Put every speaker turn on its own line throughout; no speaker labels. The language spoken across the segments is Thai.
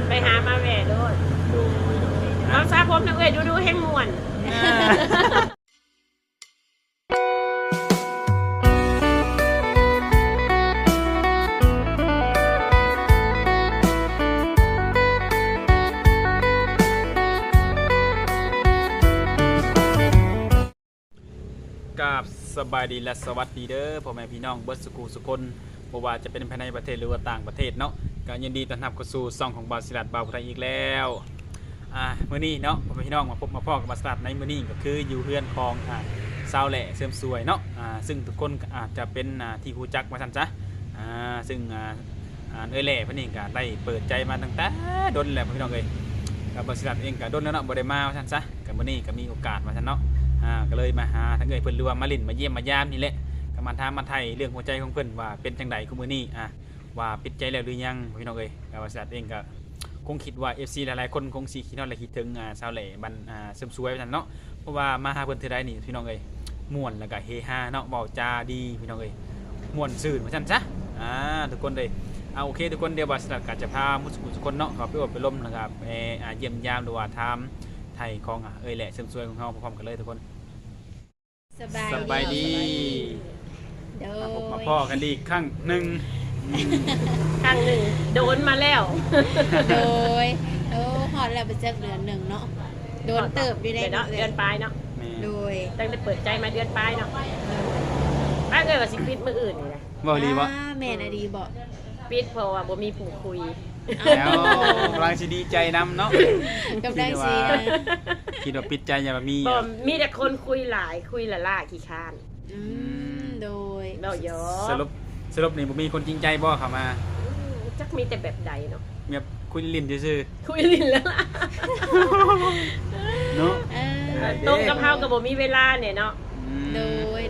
ไปหามาแหว่โดดน้องซาผมนะเอ้ยดูแห้งม่วน
กับสบายดีและสวัสดีเด้อพ่อแม่พี่น้องเบิร์ดสกูสุคนบ่ว่าจะเป็นภายในประเทศหรือว่าต่างประเทศเนาะก็ยินดีต้อนรับเข้าสู่ช่องของบาสิลัดบาวไทยอีกแล้วมื้อนี้เนาะพ่อแม่พี่น้องมาพบมาพ้อกับบาสิลัดในมื้อนี้ก็คืออยู่เฮือนของสาวแหล่เสริมสวยเนาะซึ่งทุกคนอาจจะเป็นที่รู้จักว่าซั่นจ้ะซึ่งเอ้ยแหล่เพิ่นนี่ก็ได้เปิดใจมาตั้งแต่ดนแล้วพ่อพี่น้องเอ้ยกับบาสิลัดเองก็ดนแล้วเนาะบ่ได้มาว่าซั่นซะก็มื้อนี้ก็มีโอกาสว่าซั่นเนาะก็เลยมาหาทั้งเอ่ยเพิ่นหรือว่ามาลิ้นมาเยี่ยมมายามนี่แหละก็มาถามมาไทยเรื่องหัวใจของเพิ่นว่าเป็นจังไดคุมื้อนี้ว่าปิดใจแล้วหรือยังพี่น้องเอ้ยก็ว่าสัตว์เองก็คงคิดว่า FC หลายๆคนคงสิคิดฮอดและคิดถึงสาวแหล่บันเสริมสวยว่าซั่นเนาะเพราะว่ามาหาเพิ่นเทื่อใดนี่พี่น้องเอ้ยม่วนแล้วก็เฮฮาเนาะเว้าจาดีพี่น้องเอ้ยม่วนซื่นว่าซั่นซะทุกคนเลยโอเคทุกคนเดี๋ยวบาสลัดก็จะพามุสกุทุกคนเนาะเข้าไปอบไปล้มนะครับเยี่ยมยามหรือว่าถามไทยของเอ้ยแหล่เสริมสวยของเฮาพร้อมๆกันเลยทุกคนสบายดีมาพบมาพ่อกันดีครั้งหนึ่ง
โดนมาแล้ว
โดยฮอดแล้วไปเจอเดือนหนึ่งเนาะโดนเติบอยู่ได้
เนาะเดือนปลายเนาะ
โดย
ตั้งแต่เปิดใจมาเดือนปลายเนาะป้าเกิดว่าสิปิดมื้ออื่นนี่แหละ
บ่ดีบ่
แม่น่ะดีบ่
ปิดเพราะว่าบ่มีผู้คุย
แล้วกำลังสิดีใจนํเนาะ
กำลังสิ
คิดว่าปิดใจอย่ามี
บ่มีแต่คนคุยหลายคุยละขี้คร้าน
โดย
เนาะยอ
สรุปนี่บ่มีคนจริงใจบ่เข้ามา
จักมีแต่แบบใดเนาะ
แบบคุยลิ้นซื่อ
ๆคุยลิ้นแล้วล่ะ
เนาะ
ตรงกับเฮาก็บ่มีเวลาเนี่ยเนาะ
โดย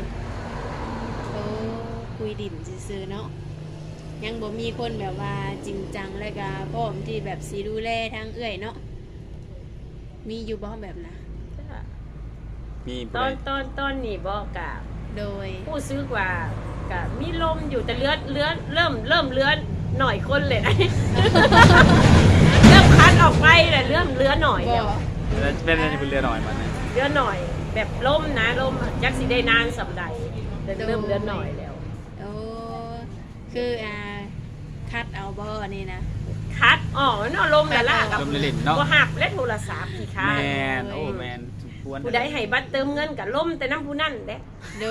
คุยดินซื่อๆเนาะยังบ่มีคนแบบว่าจริงจังแล้วก็พร้อมที่แบบสิดูแลทางเอื้อยเนาะมีอยู่บ่แบบน่ะ
มี
ตอนนี้บ่กะ
โดย
ผู้ซื้อกว่ากะมีลมอยู่แต่เลือนเริ่มเลือนหน่อยคนเลยนะเริ่มคัดออกไปแต่เริ่มเลือนหน่อยแล้ว
เป็นอะไรเป็นเรือหน่อยมัน
เลือนหน่อยแบบลมนะลมจักสิได้นานสำใดแต่เริ่มเลือนหน่อยแล้ว
คือคัดเอาบ่นี่นะ
คัดเนาะลมแล้วล่ะกับบ่หักและโทรศัพท์ขี้ค้า
แม่นโอ้แม่น
ผู้ใดให้บัตรเติมเงินกับล่มแต่น้ำผู้นั่นเด้
โด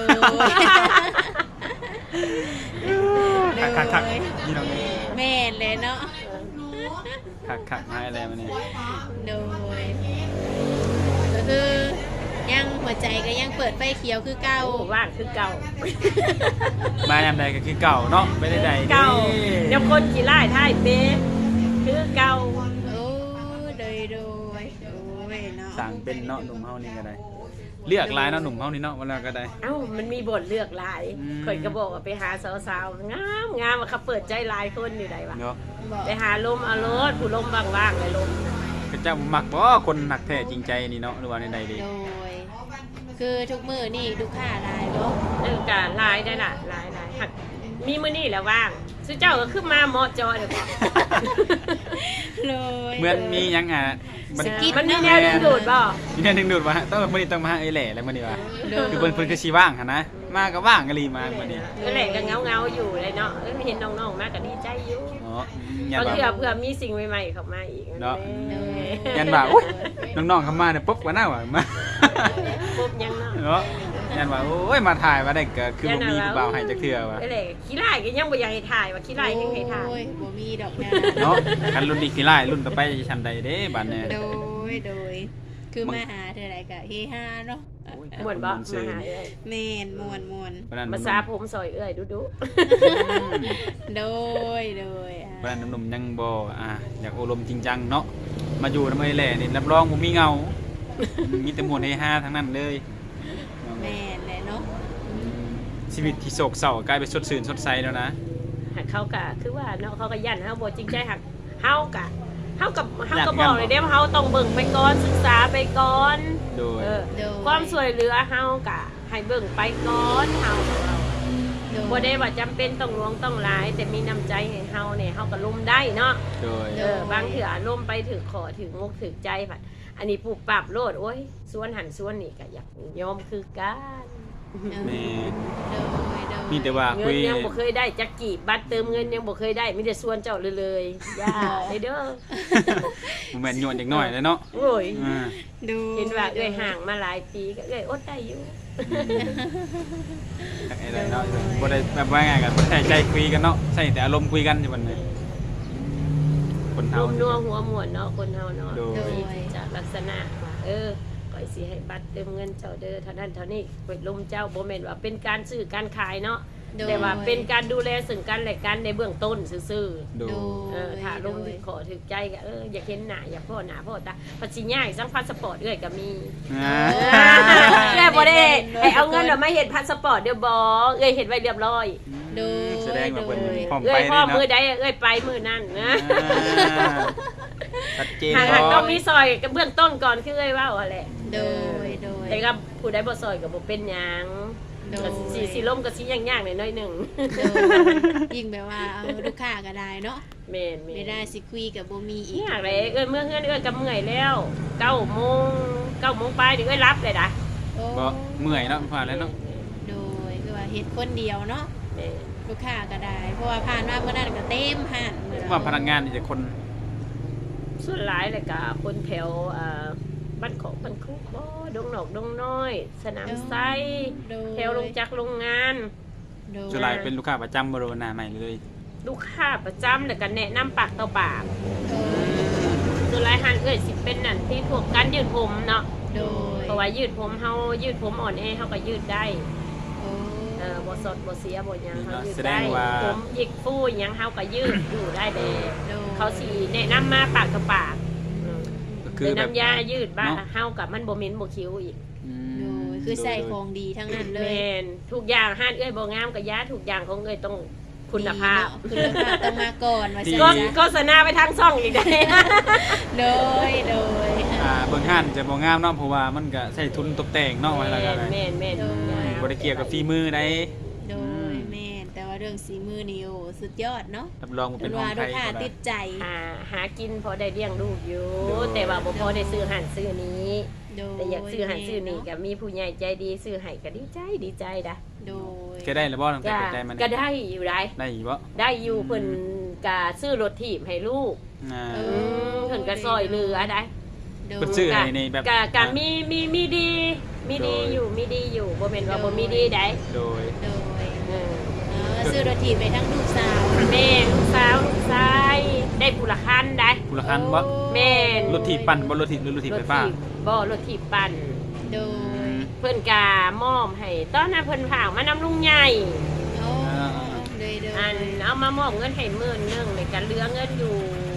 ย
คักนี่น้อง
แม่นเลยเนาะ
คักมาอะไรมาเนี่ย
โดยก็คือยังหัวใจก็ยังเปิดไฟเขียวคือเก่า
ว่างคือเก่า
มาแนมใดก็คือเก่าเนาะไม่ได้ใด
เก่าเดี๋ยวคนขี่ไล่ท่ายเป๊ะคือเก่า
โดยเนาะ
สั่งเป็นเนาะหนุ่มเฮานี่ก็ได้เลือกลายเนาะหนุ่มเฮานี่เนาะเวลาก็ได้
มันมีบทเลือกลายข่อยก็บอกว่าไปหาสาวๆงามเขาเปิดใจลายคนอยู่ใดวะไปหาลมเอารถผู้ลมว่างๆเลยลม
ก็จะมักบ่คนหนักแท้จริงใจนี่เนาะหรือว่าในใดดี
โดยคือทุกมื้อนี่ลูกค้าลายบ่
ก็ลายได้ล่ะลายหักมีมื้อนี้แล้วว่างซื้อเจ้าก็ขึ้นมาเหมาะจอเดี๋ยวก่อน
เลย
เหมือนมียัง
มันมีแนวดึงดูดบ่
มีแนวดึงดูดบ่ต้องมื้อนี้ต้องมาเอ้ยแหล่แล้วมื้อนี้ว่าคือเพิ่นคือสิว่างหั่นนะมาก็ว่างกะลีมามื้อนี้
เอ้ยแหล่ก็เงาอยู่เลยเนาะเห็นน้องๆมาก็ดีใจอยู่บางทีเพื่อมีสิ่งใหม่ๆเข้ามาอีก
เนาะยันว่าอุ๊ยน้องๆเข้ามาเนี่ยปุ๊บว่าน่าว่ามา
ปุ๊บยัง
เนาะยันว่าโอ้ยมาถ่ายมาได้ก็คือบ่มีผู้บ่าวให้จักเทื่อว่า
เอ้ยแหล่ขี้ร้ายก็ยังบ่อยากให้ถ่ายว่าขี้ร้ายยังให้ถ่าย
โอ้ยบ่มีดอก
เนาะกันรุ่นนี้ขี้ร้ายรุ่นต่อไปจะชั้นใดเด้บัดนี้
โดยคือมาหาเท่าไหร่ก็เฮฮาเนาะ
ม่วนบ่มาหาเอ้ย
แม่นม่วน
ภาษาผมซอยเอ้ยดุ
โดย
เพราะนั้นหนุ่มยังบ่อยากอบรมจริงจังเนาะมาอยู่นำเอ้ยแหล่นี่รับรองบ่มีเงามีแต่ม่วนเฮฮาทั้งนั้นเลย
แม่นแหละเนาะ
ชีวิตที่โศกเศร้ากลายเป็นสดชื่นสดใสแล้วนะ
เขาก็คือว่าเนาะเขาก็ยันเฮาบ่จริงใจหักเฮาก็บอกเลยเด้ว่าเฮาต้องเบิ่งไปก่อนศึกษาไปก่อน
โดย
ความช่วยเหลือเฮาก็ให้เบิ่งไปก่อนเฮา
โดย
บ่ได้ว่าจำเป็นต้องหลวงต้องหลาย แต่มีน้ำใจให้เฮาเนี่ยเฮาก็ล้มได้เนาะ
โดย
บางเถื่อล้มไปถือขอถือมุกถือใจผัดอันนี้ปลูกปรับโลดโอ้ยส่วนหันส่วนนี่ก็อยากยอมคือกัน
แม่
โดยโดย
มีแต่ว่า
เงิ
คุ
น
ย
ยังบ่เคยได้จักกี่บัตรเติมเงินยังบ่เคยได้มีแต่ส่วนเจ้าเลยย่าเด้อ
บ่แม่นโยนจักหน่อยเลยเนาะ
โอ้ย
อ่า
ดู
เห็นว่าเอ้ยห่างมาหลายปีก็เอ้ยอดได้อยู่
จักไอ้ไรเนาะบ่ได้แบบว่าไงกันบ่ใส่ใจคุยกันเนาะใส่แต่อารมณ์คุยกันอยู่บัดนี้คน
ร
เฮาว
มนัวหัวหมวนเนาะคนเฮาเนาะ
โดย
จากลักษณะว่าก่อยสิให้บัตรเติมเงินเจ้าเด้อเท่านั้นเท่านี้ไปลมเจ้าบ่แม่นว่าเป็นการซื้อการขายเนาะ
โดย
แต่ว่าเป็นการดูแลซึ่งกันและกันในเบื้องต้นซื่อ
โด
โด
ย
ย
ถ้าลมขอถึกใจก็อยากเห็นหน้าอยากพ่อหน้าพ่อตาปัจจิง่ายสังพาสปอร์ตก็มี
อ่า
เอ้ยบ่ได้ให้เอาเงินมาเฮ็ดพาสปอร์ตเดี๋ยวบ่เฮ็ดไว้เรียบร้อย
โดย
แสดงว่าเพิ่นพร้อม
เอ้
ไป
ยพ่อ
เนาะ
มือใดไปมือนั่นนะ
อ่าชัดเจน
หากต้องมีซอยกับเบื้องต้นก่อนคือเอ้ยว่าแหละ
โดยโดย
แต่ก็ผู้ใดบ่ซอยก็บ่เป็นหยัง
โดย
ก็สิล่มก็สิยากๆหน่อยๆนึง
โดยยิ่งแบบว่าเอาลูกค้าก็ได้เนาะ
แม่น
ไม่ได้สิคุยกับบ่มีอีก
ยากเลยเมื่อเฮือนก็เมื่อยแล้ว9 โมงปลายนี่รับเลยนะ
โอ้
บ่เมื่อยเนาะผ่านแล้วเนาะ
โดยคือว่าเฮ็ดคนเดียวเนาะ
แม่น
ลูกค้าก็ได้ เพราะว่าผ่านมาเมื่อนั้นก็เต็มห้านมื้อ
ว่าพนักงานนี่จะคน
ส่วนหลายเลยก็คนแถวบ้านของบ้านคุกบ่ดงหนอกดงน้อย สนามไซ
โดย
แถวลงจักรโรงงาน
โดย
ส่วนหลายเป็นลูกค้าประจำบริเวณหน้าใหม่เลย
ลูกค้าประจำแล้วก็แนะนำปากต่อปาก
โดย
ส่วนหลายหันสิเป็นนั่นที่พวกการยืดผมเนาะ
โดย
เพราะว่ายืดผมเฮายืดผมอ่อนแอเฮาก็ยืดได้
โอ้
บ่สดบ่เสียบ่หยังเฮายืด
แสด
ได้
งว่า
ผมหยิกฟูหยังเฮาก็ยืดอยู่ได้เด้
โดย
เขาสิแนะนำมาปากต่อปาก
ก็คือ
เป็น
แบบ
น้ำยายืดบ้า
เนาะ
เฮากับมันบ่เหม็นบ่คิ้วอีก
อืม
โดยคือใส่ของดีทั้งนั้นเล
แม
ย
นทุกอย่างห้านเอ้ยบ่งามกับยาทุกอย่างของเอ้ยต้องคุณภาพ
ดีเนาะคุณภาพต้องมาก่อนว่า
ดี
ซั่น
ก็
จ้ะ
โฆษณาไปทางช่องอีกได้
โดยโดย
เบิ่งห้านจะบ่งามเนาะเพราะว่ามันก็ใช้ทุนตกแต่งเนาะว่าแล้วก็ได้
แม่นแม่น
โดย
บ่ได้เกี่ยวกับฝีมือใด
โดยแม่นแต่ว่าเรื่องสีมือนี่โอ้สุดยอดเนาะ
รับรองว่า
เป็
เป็น น
ว่า
ของ
ลู
ไท
ก
ย
ค้า
ก็ได้
ติดใจ
หากินพอได้เลี้ยงลูกอยู่
โดย
แต่ว่าบ่พอได้ซื้อหันซื้อนี้
โดย
แต่อยากซื้อหันซื้อนี้
แม่
ก็มีผู้ใหญ่ใจดีซื้อให้ก็ดีใจด้ะ
โดย
เคยได้แล้วบ่ตั้งแต่
ก็
เปิดใจมัน
ก็ได้อยู่ได้
ได้อีกบ่
ได้อยู่เพิ่นก็ซื้อรถถีบให้ลูก
อ่า
เพิ่นก็ซอยเหลือได้
โดย
เพิ่นซื้อให้ในแบบ
กะมีดีอยู่บ่แม่นว่าบ่มีดีได้
โดย
โดย
เออ
ซื้อรถถีบไปทั้งลูกสาว
แม่ลูกสาวลูกชายได้ผู้ละคันได้
ผู้ละคันบ่
แม่น
รถถีบปั่นบ่รถถีบหรือรถถีบไฟฟ้า
บ่รถถีบปั่น
โดย
เพิ่นกามอบให้ตอนนั้นเพิ่นฝากมานำลุงใหญ่
โอ้โดยโดย
อันเอามามอบเงินให้10,000นึงแล้วก็เหลือเงินอยู่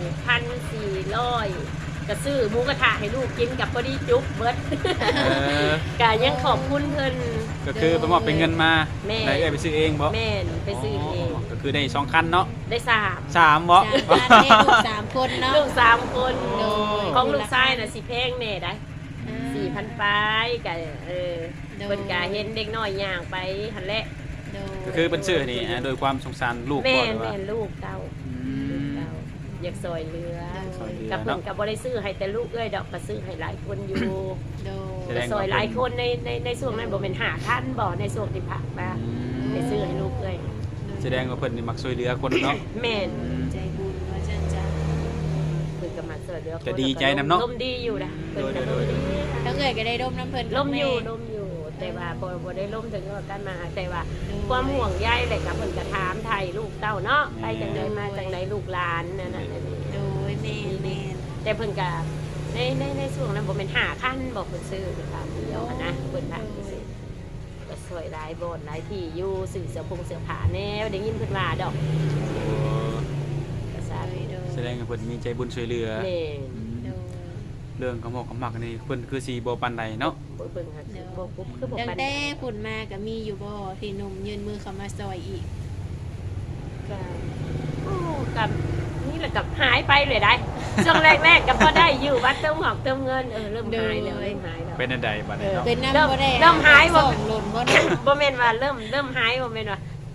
1,400ก็ซื้อหมูกระทะให้ลูกกินกับพอดีจุ๊บเบิด
เออ
ก็ยังขอบคุณเพิ่น
ก็คือไปมอบเป็นเงินมา
แม่
ได้เอ้ยไปซื้อเองบ่
แม่นไปซื้อเอง
ก็คือได้2คันเนาะ
ได้3
3บ่
สามคนลูกสามคนเนาะ
ลูก3คน
โดย
ของลูกชายน่ะสิแพงแน่ได้4,000ปลายก็เพิ่นก็เห็นเด็กน้อยย่างไปหั่นแหละ
โดย
ก็คือเป็นชื่อนี่โดยความสงสารลูก
แม่
ก่อน
น
ว่า
แม่นลูกเก่า
อื
ลูก
ม
เก่าอยากซอยเรือ
ซอยเรือ
กับเพิ่นก็บ่ได้ซื้อให้แต่ลูกเอ้ยดอกก็ซื้อให้หลายคนอยู่
โด
แส
ย
ดง
ซอยหลายคนในช่วงนั้นบ่แม่น5,000บ่ในช่วงที่พักมา
อืม
ไปซื้อให้ลูกเอ้ย
แสดงว่าเพิ่นนี่มักช่วยเหลือคนเนาะ
แม่น
ใจบุญว่าจันจ้ะ
เพิ่นก็มาช่วยเหลือคน
ก็ดีใจนำเนาะ
ลมดีอยู่นะเพิ่นก็ลมดี
ทั้งเอ่ยก็ได้ร่มน้ำเพลิน
ล่มอยู่แต่ว่าบ่ได้ล่มถึงกับกันมาแต่ว่าความห่วงใยเลยกับเพิ่นก็ถามไทยลูกเต้าเนาะไปจังไดมาจังไดลูกหลานนั่นน่ะนี่
โดยแม่แม่
แต่เพิ่นก็ในช่วงนั้นบ่แม่น5คันบอกเพิ่นซื้อเป็นตามเดียวอะนะเพิ่นว่าซื้อก็สวยหลายบ่อนหลายที่อยู่สื่อเสื้อผงเสื้อผ้าแนวได้ยินเพิ่นว่าดอกก็ทราบ
โดย
แสดงว่าเพิ่นมีใจบุญช่วยเหลือ
แม่
อืม
โดย
เรื่องของหมอกกับหมักนี่เพิ่นคือสิบ่ปานใดเนาะ
บ่เบิ่งหาคือบ่ปุ๊บคือบ่
ตั้ง
ปาน
แต่ฝุ่นมาก็มีอยู่บ่ที่หนุ่มยืนมือเข้ามาซอยอีก
ก็โอ้กับนี่แหละกับหายไปเลยได้ช่วงแรกๆก็พอได้อยู่วัดเติมหอกเติมเงินเริ่มหายแล้วเริ่มหายแล้ว
เป็นอันใดบัดนี้เนาะ
เป็นน้ำบ่ได้
เริ่มหายบ่
ส่งหล่นบ่ได้
บ่แม่นว่าเริ่มหายบ่แม่นว่า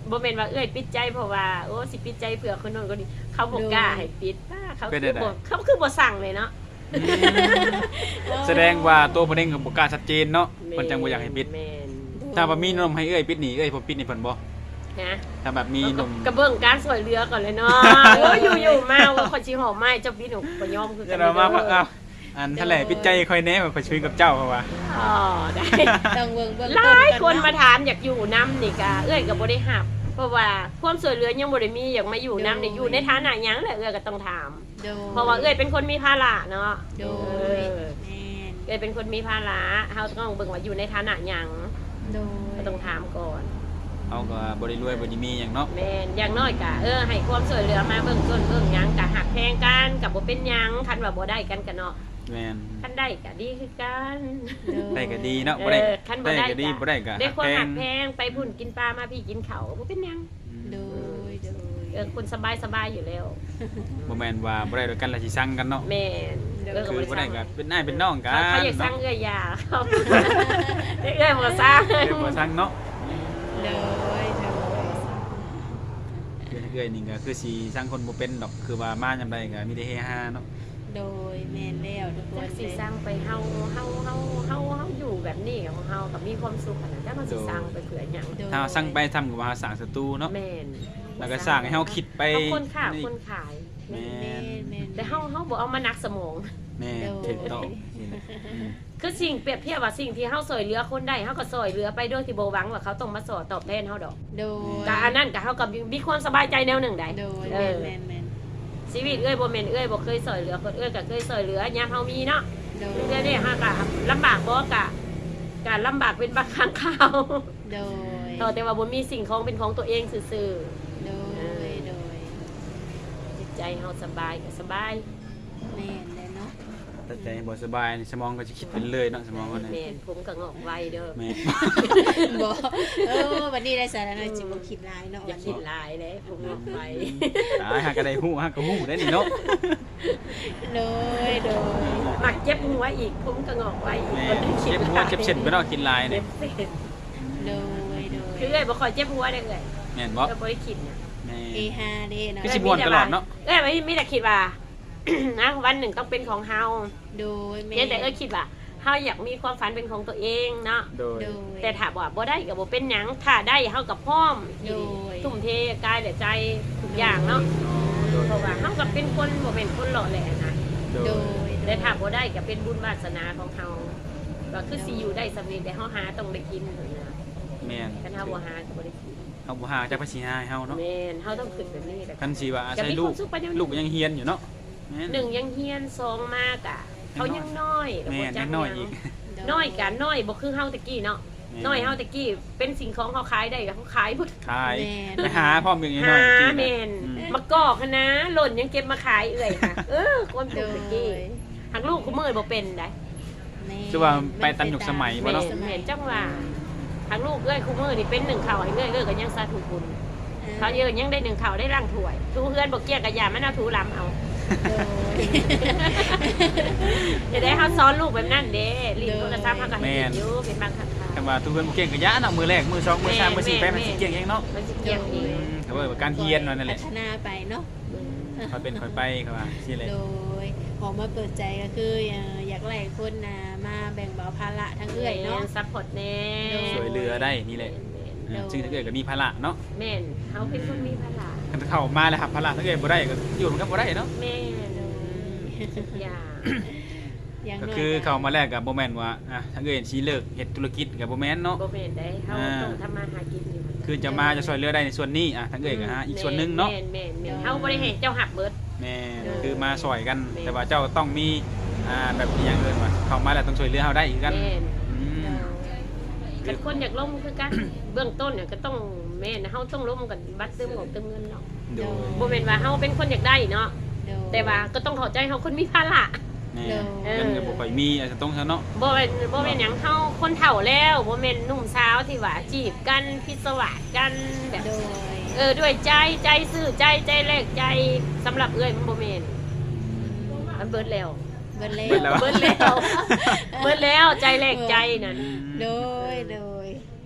บ่แม่นว่าเอ้ยปิดใจเพราะว่าโอ้สิปิดใจเผื่อคนโน้นคนนี้เขาบ่กล้าให้ปิดเขาคือบ่สั่งเลยเนาะ
แสดงว่าตัวเพิ่นเองก็บ่กล้าชัดเจนเนาะเพิ่นจังบ่อยากให้ปิด
แม่น
ถ้าว่ามีนมให้เอ้ยปิดนี่เอ้ยผมปิดนี่เพิ่นบ่
ฮะ
ถ้าแบบมีนม
กระเบื้องการสวยเรือก่อนเลยเนาะอยู่ๆมาว่าคนสิหอมไม้เจ้าปิดหนูบ่ยอมคือกั
จะเรามาว่าอ้าวอันทะเลปิดใจค่อยแน่ว่าค่อยช่วยกับเจ้าเพราะว่า
อ๋อได้
ต้องเบิ่ง
หลายคนมาถามอยากอยู่น้ำนี่กะเอ้ยก็บ่ได้หับเพราะว่าความสวยเรือยังบ่ได้มีอยากมาอยู่น้ำนี่อยู่ในฐานะหยังแหละเอ้ยก็ต้องถาม
โดย
เพราะว่าเอ้ยเป็นคนมีภาระเนาะ
โดยแม่น
เอ้ยเป็นคนมีภาระเฮาต้องเบิ่งว่าอยู่ในฐานะหยัง
โดย
ก็ต้องถามก่อน
เอาก็บ่ได้รวยบ่ได้มีหยังเนาะ
แม่นอย่างน้อยกะให้ความสวยเรือมาเบิ่งต้นเบิ่งหยังกะหักแพงกันกะบ่เป็นหยังคันว่าบ่ได้กันกะเนาะ
แม่น
คันได้กะดีคือกัน
ได้ก็ดีเนาะบ่ได้
คันบ่
ได้
ได้
ก็ดีบ่ได้ก็
ได้ความ
แพ
หั
ง
กแพงไปพุ่นกินปลามาพี่กินเขาบ่เป็นหยัง
โดยโดย
คนสบายอยู่แล้ว
บ่แม่นว่าบ่ได้ด้วยกันแล้วสิสั่งกันเนาะ
แม่น
คือบ่ได้ก็เป็นนายเป็นน้องกัน
เขาอยากสร้าง
เนาะ
เอื้อยยาเขาเอื้อยบ่สร้าง
เอ้ยบ่สั่งเนาะ
โดยโดย
เอ้ยนี่ก็คือสิสั่งคนบ่เป็นดอกคือว่ามายามใดก็มีแต่เฮฮาเนาะ
โดยแม่นแล้วทุกค
จั
น
กสิสร้างไปเฮาอยู่แบบนี้ของเฮากับมีความสุขขนาดจักมันสิสร้างไปเพื่อหยัง
ถ้าสั่งไปทำกับว่าสร้างศัตรูเนาะ
แม่น
แล้วก็สร้างให้เฮาคิดไป
เอาคนค้าคนขาย
แม่
แม่นแม่น
แต่เฮาบ่เอามานักสมอง
แม่ถูกต้อง
คือสิ่งเปรียบเทียบว่าสิ่งที่เฮาซอยเหลือคนได้เฮาก็ซอยเหลือไปโดยที่บ่หวังว่าเขาต้องมาสอตอบแทนเฮาดอก
โดย
ก็อันนั้นก็เฮาก็มีความสบายใจแนวหนึ่งได้
โดย
เอ
แม่น
อ
แม่น
ชีวิตเอ้ยบ่แม่นเอ้ยบ่เคยซอยเหลือคนเอ้ยก็เคยซอยเหลือยามเฮามีเนาะ
โดย
เรื่อยๆเฮาก็ลำบากบ่ก็ลำบากเป็นบางครั้งคราว
โดย
แต่ว่าบ่มีสิ่งของเป็นของตัวเองซื่อ
โดยโดย
ๆจิตใจเฮาสบายก็สบาย
แม่นเลยเนาะ
แต่ใจบ่สบายนี่สมองก็จะคิดเป็นเลยเนาะสมองก็เนี่ย
แม่นผมก็งอกไวเด้อ
แม่
บ่วันนี้ได้สาระหน่อยจิบ่คิดหลายเนาะ
อย่าคิดหลายเลยผมงอกไว
ตายหาก็ได้ฮู้หาก็ฮู้ได้นี่เนาะ
โดยโดย
มักเจ็บหัวอีกผมก็งอกไวอีก
แม่
คนที่คิด
เจ็บหัวเจ็บเส้นไปเนาะกินลาย
เจ็
เนี่ย
บเส้น
โดยโดย
คือเอ้ยบ่ค่อยเจ็บหัวได้เลย
แม่นบ่
ก็บ่ได้คิดนะ
แม่
เอฮาเด้เนาะ
คือสิม่วนตลอดเนาะ
เอ้ยไม่ได้คิดว่า นะวันหนึ่งต้องเป็นของเฮา
โดยแม่
เพียงแต่เอ้ยคิดว่าเฮาอยากมีความฝันเป็นของตัวเองเนาะ
โดย
โดย
แต่ถ้าว่าบ่ได้ก็บ่เป็นหยังถ้าได้เฮากับพร้อม
โดย
ทุ่มเทกายและใจทุกอย่างเนาะ
โดย
เพราะว่าเฮาก็เป็นคนบ่เป็นคนหล่อแหละนะ
โด
โด
ย
ย
แต่ถ้าบ่ได้ก็เป็นบุญวาสนาของเฮาก็คือสิอยู่ได้สำเร็จแต่เฮาหาต้องได้กินเท่านั้นนะ
แม่น
คันเฮาบ่หาก็บ่ได้กิน
เฮาบ่หาจักภาษีให้เฮาเนาะ
แม่นเฮาต้องขึ้นแบบนี้แหละ
คันสิว่าอา
จะ
ศัย
มี
ลู
ควาก มสุขไปเดี๋ยวนี้
ลูกยังเฮียนอยู่เนาะแม่น
หนึ่งยังเฮียนสองมากอ่ะเขายังน้อย
แม่นยังน้อยอีก
น้อยกันน้อยบ่คือเฮาตะกี้เนาะ
แม่
น้อยเฮาตะกี้เป็นสิ่งของเขาขายได้ก็เขาขายหมด
ขาย
แม่น
ไปหาพร้อมอย่างนี้
หา
น้อยกิน
แม่นมะกอกคะนะหล่นยังเก็บมาขายเอื่อยค่ะ คนป
โด
ลูก
ย
ตะกี้หักลูกกูมือบ่เป็นได้
แม่น
คือว่าไปตามยุคสมัยบ่
แม่
เนาะ
นแม่นจังว่าหักลูกเอ้ยกูมือนี่เป็นหนึ่งเข่าให้เอ้ยก็ยังสาธุบุญเขาเยอะยังได้หนึ่งเข่าได้ร่างถ้วยทูเฮือนบ่เกี้ยกับยามันเอาถูลำเอา
โดย
จะได้เขาซ้อนลูกแบบนั้นเด้ลิ้นโทรศัพท์เขาก็ให้ลิ้นอยู่เป็นบางครั้ง
แต่ว่าทุกเพิ่นบ่เก่งก็ยะเนาะมือแรกมือสองมือสามมือสี่ไปมันสิเก่งเองเนาะ
มันสิเกี่ยงเอง
แต่ว่าการเฮียนนั่นแหละ
พัฒนาไปเนาะ
ค่อยเป็นค่อยไปครับว่าสิเลย
โดยออกมาเปิดใจก็คืออยากไล่คนมาแบ่งเบาภาระทั้งเอื้อยเนาะ
ซัพพอร์ตแน่
ช่วยเหลือได้นี่แหละ
โดย
ซึ่งถ้าเกิดก็มีภาระเนาะ
แม่นเขาเป็นคนมีพลัง
คันเข้ามาแล้วครับภาระถ้าเกิดบ่ได้ก็อยู่มันก็บ่ได้เนาะ
แม่นทุกอย่าง
อย่าง
ก็
น้ย
คือเข้ามาแรกก็บ่แม่นว่าถ้าเกิดสิเลิกเฮ็ดธุรกิจก็บ่แม่นเนาะ
โบเมนได้เขาต้องทำมาหากินอยู่
คือจะมาจะช่วยเหลือได้ในส่วนนี้ถ้าเกิดก็อีกส่วนหนึงเนาะ
แม่นเขาบริเหตุเจ้าหักเบิด
แม่คือมาช่วยกัน แต่ว่าเจ้าต้องมีแบบอหยังเอิ้นว่าเข้ามาแล้วต้องช่วยเหลือเฮาได้อีกกัน
แม่น
อืม
กันคนอยากล้มคือกันเบื้องต้นเนี่ยก็ต้องแม่นเขาต้องล้มกันบัตรเติมของเติมเงินเนาะ
โดย
โบเมนว่าเขาเป็นคนอยากได้เนาะ
โดย
แต่ว่าก็ต้องเข้าใจเขาคนมีภาระ
แม่เงินก็บ่ค่อยมีอาจจะต้องซะเนาะ
โบเป็นหยังเขาคนเฒ่าแล้วโบเมนหนุ่มสาวที่ว่าจีบกันพิศวาสกันแบบ
โดย
ด้วยใจซื่อใจแรกใจสำหรับเอ้ยมันโบเมนมันเบิดแล้ว
เบิดแล้
เบิดแล้ว
เบิดแล้วใจแรกใจนั่น
โดยโดย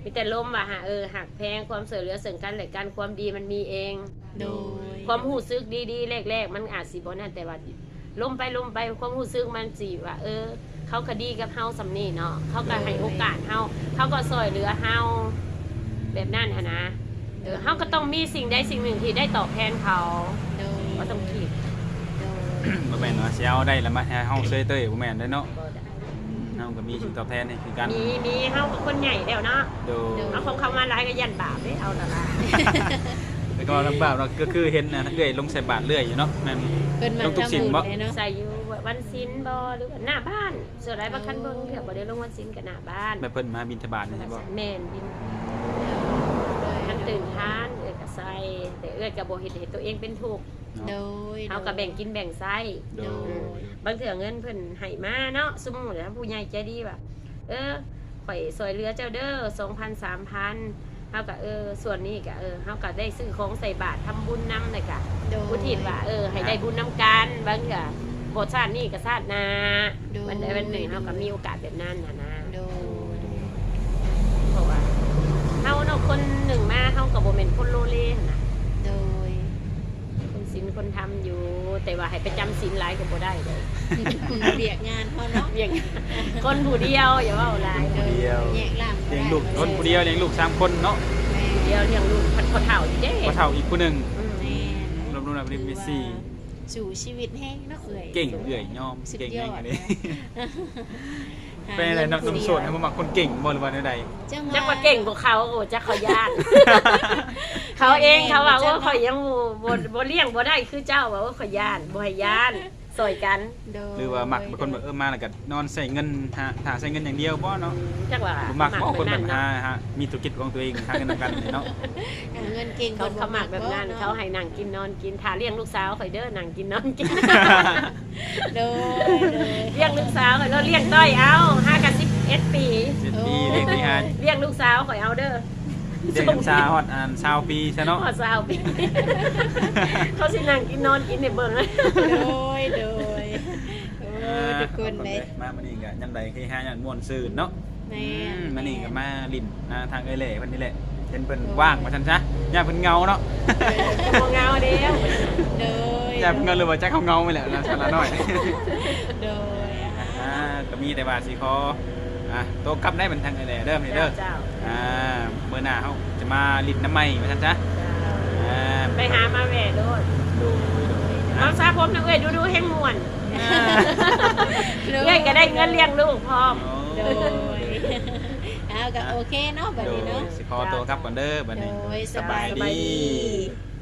มีแต่ล้มว่าหักแพงความเสือเหลือซึ่งกันและกันความดีมันมีเอง
โดย
ความรู้สึกดีๆแรกๆมันอาจสิบ่นั่นแต่ว่าล้มไปความรู้สึกมันสิว่าเขาก็ดีกับเฮาสำนี่เนาะเขาก็ให้โอกาสเฮาเขาก็ซอยเหลือเฮาแบบนั้นหั่นนะเฮาก็ต้องมีสิ่งใดสิ่งหนึ่งที่ได้ตอบแทนเขา
โดย
ก็ต้องคิด
โดย
บ่แม่นว่าสิเอาได้แล้วมาให้เฮาเซยเต้ยบ่แม่นได้เนาะ
บ่ได้
เฮาก็มีสิ่งตอบแทนให้คือกัน
มีเฮากับคนใหญ่แล้วเนาะ
โดย
เอาของเขามาหลายก็ยันบาปเด้เอาละล่ะ
แล้วก็ลำบากเราก็คือเห็นนะเรื่อยลงใส่บาทเรื่อยอยู่เนาะแม่น
เพิ่นมา
ลงทุก
ทำ
สิ่ง
บุญ
บ่
เลยเนาะ
ใส่อยู่วันศีลบ่หรือว่าหน้าบ้านส่วนไรบางคันเบิ่งเถื่อบ่ได้ลงวันศีลกับหน้าบ้าน
แบบเพิ่นมาบิณฑบาตนี่ใช่บ่
แม่นบินท่านตื่นทานก็ใส่แต่ก็บ่เฮ็ดให้ตัวเองเป็นทุกข์
โดย
เฮาก็แบ่งกินแบ่งใช้
โดย
บางเถื่อเงินเพิ่นให้มาเนาะสมมุติว่าผู้ใหญ่ใจดีว่าข่อยซอยเหลือเจ้าเด้อ 2,000 3,000เฮาก็ส่วนนี้ก็เฮาก็ได้ซื้อของใส่บาตรทำบุญนำเลยก็
โดย
อุทิศว่าให้ได้บุญนำกันบางก็บ่ชาตินี้ก็ชาติหน้า
โดย
วันใดวันหนึ่งเฮาก็มีโอกาสแบบนั้นนะ
โดย
เพราะว่าเฮาเนาะคนหนึ่งมาเฮาก็บ่แม่นคนโลเลหั่นน่ะ
โดย
คนศีลคนทำอยู่ แต่ว่าให้ไปจำศีลหลายก็บ่ได้เลย
เบียกงานเขาเนาะ
อย่างคนผู้เดียวอย่าเว้าหลาย
โดยแยกล่าง
เลี้ยงลูกคนผู้เดียวเลี้ยงลูก3คนเนาะ
แม่
เดียวเลี้ยงลูกพันคนเฒ่าอยู่เด้
บ่เท่าอีกผู้หนึง
แม่
รวมๆแล้วเป็นสี่
สู่ชีวิตแห้งเนาะเอ่ย
เก่งเอื้อยยอม
สุด
เก่ง
ย
แฮ
อง ด
อันนี้
หา
เป็นอะไร
งิ
น้องโสดให้บ่มักคนเก่งบ่หรือว่าใด
จักว่าเก่งกว่าเขาโอ้จักเขาญาติ เขาเองเขาว่าข่อยยังบ่เลี้ยงบ่ได้คือเจ้าว่าข่อยญาติบ่ให้ญาติซอยกัน
โดย
หรือว่ามักเป็นคนแบบมาแล้วก็นอนใส่เงินหาใส่เงินอย่างเดียวบ่เนาะ
จักว่า
บ่มักบ่คนแบบ
เนาะ
หามีธุรกิจของตัวเองหาเงินนำกันนี่เนาะ
หาเงินเก่ง
เขาหมักแบบนั้นเขาให้นั่งกินนอนกินทาเลี้ยงลูกสาวข่อยเด้อนั่งกินนอนกิน
โดย
เลี้ยงลูกสาวข่อยแล้วเลี้ยงต้อยเอา5กับ11 ปี
7 ปีเลี้ยงที่หา
เลี้ยงลูกสาวข่อยเอาเด้อ
เลี้ยงน้ำชาฮอด20ปีซะเนาะ
พอสาวปี เขาสินั่งกินนอนกินในเบิ่งเลย
โดยทุกคนเลย
มามื้อนี้ก็ยามใดคือหาหยังม่วนซื่นเนาะ
แม่
มื้อนี้ก็มาลิ้นทางเอ้ยแหล่เพิ่นนี่แหละเห็นเพิ่นว่างว่าซั่นซะย่าเพิ่นเงาเนาะ
บ่เงาเด้อ
โดย
ย่าเพิ่นเงาหรือว่าจักเขาเงาไปแหละนะซั่นละน้อย
โดย
ก็มีแต่ว่าสิขอโตกลับได้เป็นทางเอ้ยแหล่เด้อนี่เด้อ
เจ้า
มื้อหน้าเฮาจะมาลิ้นน้ำใหม่ว่าซั่นซะ
ไปหามาแหว่โดด
ดู
เอาซาผมนะเอ้ยดูแห้งม่วนเอ้ยก็ได้เงินเลี้ยงลูกพร้อม
โดยเอาก็โอเคเนาะบัด
โด
นี้
ย
เนาะ
สิขอตัวกลับก่อนเด้อบัด
โด
นี้
ยส
ส
บา
บาย ย
ดี
ดี